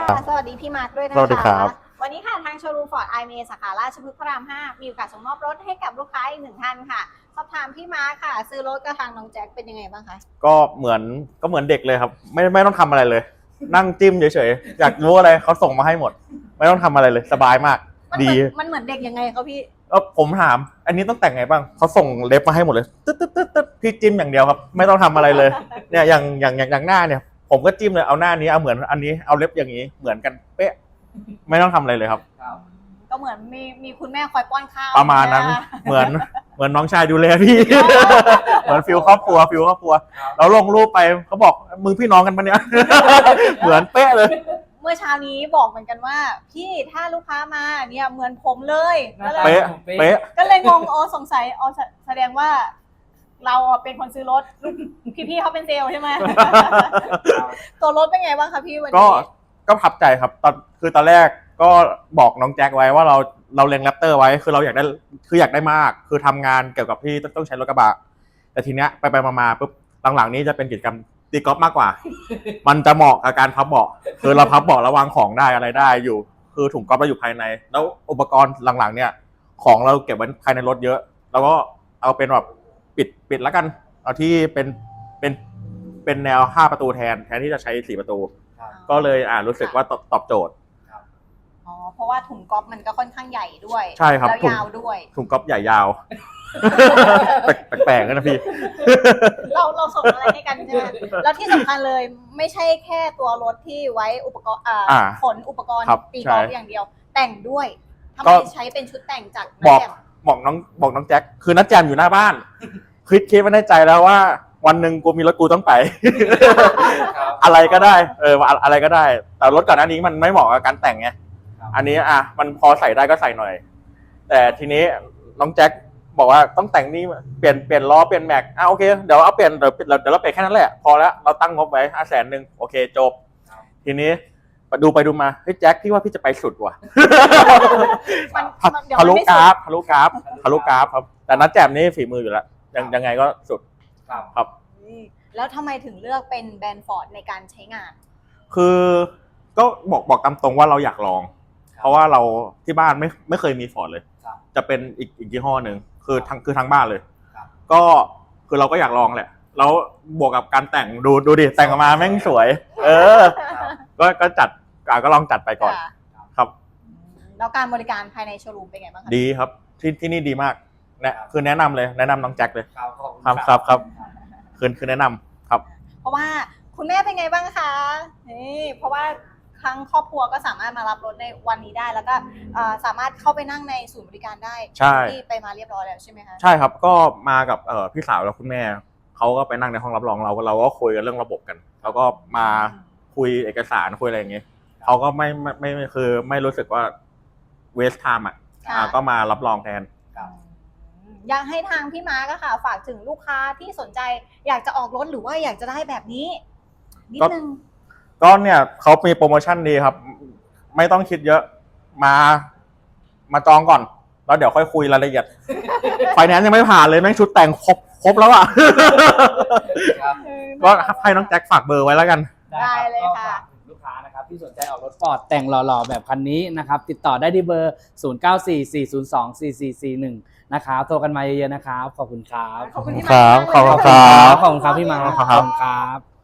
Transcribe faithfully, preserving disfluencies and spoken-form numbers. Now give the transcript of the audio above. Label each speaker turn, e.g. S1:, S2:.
S1: สวัสดีพี่มาร์คด้วยนะคะ
S2: สวัสดีครับ
S1: วันนี้ค่ะทางโชว์รูมฟอร์ดไอเมสาขาราชพฤกษ์พระรามห้ามีโอกาสส่งมอบรถให้กับลูกค้าอีกหนึ่งท่านค่ะสอบถามพี่มาร์คค่ะซื้อรถกับทางน้องแจ็คเป็นยังไงบ้างคะ
S2: ก็เหมือนก็เหมือนเด็กเลยครับไม่ไม่ต้องทำอะไรเลย นั่งจิ้มเฉยๆอยากรู้อะไรเขาส่งมาให้หมด ไม่ต้องทำอะไรเลยสบายมากดี
S1: มันเหมือนเด็กยังไงครับพี่
S2: เออผมถามอันนี้ต้องแต่งไงบ้างเขาส่งเล็บมาให้หมดเลยตึ๊ดตึ๊ดตึ๊ดตึ๊ดพี่จิ้มอย่างเดียวครับไม่ต้องทำอะไรเลยเนี่ยอย่างอย่างอย่างอย่างหน้าเนี่ยผมก็จิ้มเลยเอาหน้านี้เอาเหมือนอันนี้เอาเล็บอย่างนี้เหมือนกันเป๊ะไม่ต้องทำอะไรเลยครับ
S1: ก็เหมือนมีมีคุณแม่คอยป้อนข้าว
S2: ประมาณนั้นเหมือนเหมือนน้องชายดูแลพี่เหมือนฟิลครอบครัวฟิลครอบครัวเราลงรูปไปเขาบอกมึงพี่น้องกันปะเนี่ยเหมือนเป๊ะเลย
S1: เมื่อเช้านี้บอกเหมือนกันว่าพี่ถ้าลูกค้ามาเนี่ยเหมือนผมเลย
S2: ก็เลยเป๊ะเป๊ะ
S1: ก็เลยงงอ๋อสงสัยอ๋อแสดงว่าเราเป็นคนซื้อรถพี่ๆเขาเป็นเซลล์ใช่ไหมตัวรถเป็นไงบ้างคะพี่วันนี้
S2: ก็ก็พับใจครับตอนคือตอนแรกก็บอกน้องแจ็คไว้ว่าเราเราเล็งแรปเตอร์ไว้คือเราอยากได้คืออยากได้มากคือทำงานเกี่ยวกับที่ต้องใช้รถกระบะแต่ทีเนี้ยไปไปมาๆปุ๊บหลังๆนี้จะเป็นกิจกรรมตีกอล์ฟมากกว่ามันจะเหมาะกับการพับเบาะคือเราพับเบาะระวางของได้อะไรได้อยู่คือถุงกอล์ฟเราอยู่ภายในแล้วอุปกรณ์หลังๆเนี่ยของเราเก็บไว้ภายในรถเยอะเราก็เอาเป็นแบบปิดปิดแล้วกันเอาที่เป็นเป็นเป็นแนวห้าประตูแทนแทนที่จะใช้สี่ประตูก็เลยอ่ารู้สึกว่าตอบตอบโจทย์
S1: อ๋อเพราะว่าถุงก๊อฟมันก็ค่อนข้างใหญ่ด้วย
S2: ใช่ครับ
S1: แล้วยาวด้วย
S2: ถุงก๊อฟใหญ่ยาวแปลกๆนะพี่
S1: เราเราส่งอะไรให้กันใช่ไหมแล้วที่สำคัญเลยไม่ใช่แค่ตัวรถที่ไว้อุปกรณ์อ่าขนอุปกรณ์ตีกอล์ฟอย่างเดียวแต่งด้วยทำไมใช้เป็นชุดแต่งจาก
S2: บอกบอกน้องบอกน้องแจ็คคือนัดแจมอยู่หน้าบ้านคิดคิดไว้ในใจแล้วว่าวันหนึ่งกูมีรถกูต้องไปอะไรก็ได้เอออะไรก็ได้แต่รถก่อนหน้านี้มันไม่เหมาะกับการแต่งไงอันนี้อ่ะมันพอใส่ได้ก็ใส่หน่อยแต่ทีนี้น้องแจ็คบอกว่าต้องแต่งนี่เปลี่ยนเปลี่ยนล้อเปลี่ยนแม็กอ่ะโอเคเดี๋ยวเอาเปลี่ยนเดี๋ยวเดี๋ยวเราเปลี่ยนแค่นั้นแหละพอแล้วเราตั้งงบไว้ห้าแสนหนึ่งโอเคจบทีนี้ดูไปดูมาเฮ้ยแจ็คพี่ว่าพี่จะไปสุดว่ะทะลุกราฟทะลุกราฟทะลุกราฟครับแต่นัดแจมนี่ฝีมืออยู่แล้วยังยังไงก็สุดครับ
S1: แล้วทำไมถึงเลือกเป็นแบรนด์ฟอร์ดในการใช้งาน
S2: คือก็บอกบอกตามตรงว่าเราอยากลองเพราะว่าเราที่บ้านไม่ไม่เคยมีฟอร์ดเลยจะเป็นอีกอีกยี่ห้อหนึ่งคือทั้งคือทั้งบ้านเลยก็คือเราก็อยากลองแหละแล้วบวกกับการแต่งดูดูดิแต่งออกมาแม่งสวยเออก็ก็จัดก็ลองจัดไปก่อนครับ
S1: แล้วการบริการภายในโชว์รูมเป็นไงบ้างคะ
S2: ดีครับที่ที่นี่ดีมากเนี่ยคือแนะนำเลยแนะนำน้องแจ็คเลยครับครับครับคือคือแนะนำครับ
S1: เพราะว่าคุณแม่เป็นไงบ้างคะนี่เพราะว่าทั้งครอบครัวก็สามารถมารับรถในวันนี้ได้แล้วก็สามารถเข้าไปนั่งในศูนย์บริการได้ที่ไปมาเรียบร้อยแล้วใช่ไหมคะ
S2: ใช่ครับก็มากับพี่สาวและคุณแม่เขาก็ไปนั่งในห้องรับรองเราเราก็คุยกันเรื่องระบบกันแล้วก็มาคุยเอกสารคุยอะไรอย่างเงี้ยเขาก็ไม่ไม่ไม่คือไม่รู้สึกว่าเวสต์ไทม์อ่ะก็มารับรองแทน
S1: อยากให้ทางพี่มาร์คค่ะฝากถึงลูกค้าที่สนใจอยากจะออกรถหรือว่าอยากจะได้แบบนี้นิดนึง
S2: ก็เนี่ยเขามีโปรโมชั่นดีครับไม่ต้องคิดเยอะมามาจองก่อนแล้วเดี๋ยวค่อยคุยรายละเอียดไฟแนนซ์ยังไม่ผ่านเลยแม่งชุดแต่งครบครบแล้วอ่ะก็ให้น้องแจ็คฝากเบอร์ไว้แล้วกัน
S1: ได้เลยค่ะ
S3: ลูกค้านะครับที่สนใจออกรถฟอร์ดแต่งหล่อๆแบบคันนี้นะครับติดต่อได้ที่เบอร์ศูนย์ เก้า สี่ สี่ ศูนย์ สอง สี่ สี่ สี่ หนึ่งนะครับโทรกันมาเยอะๆนะครับขอบคุณครับ
S1: ขอบคุณที่
S2: มาขอบคุณครับ
S3: ขอบคุณครับพี่มาขอบคุณครับ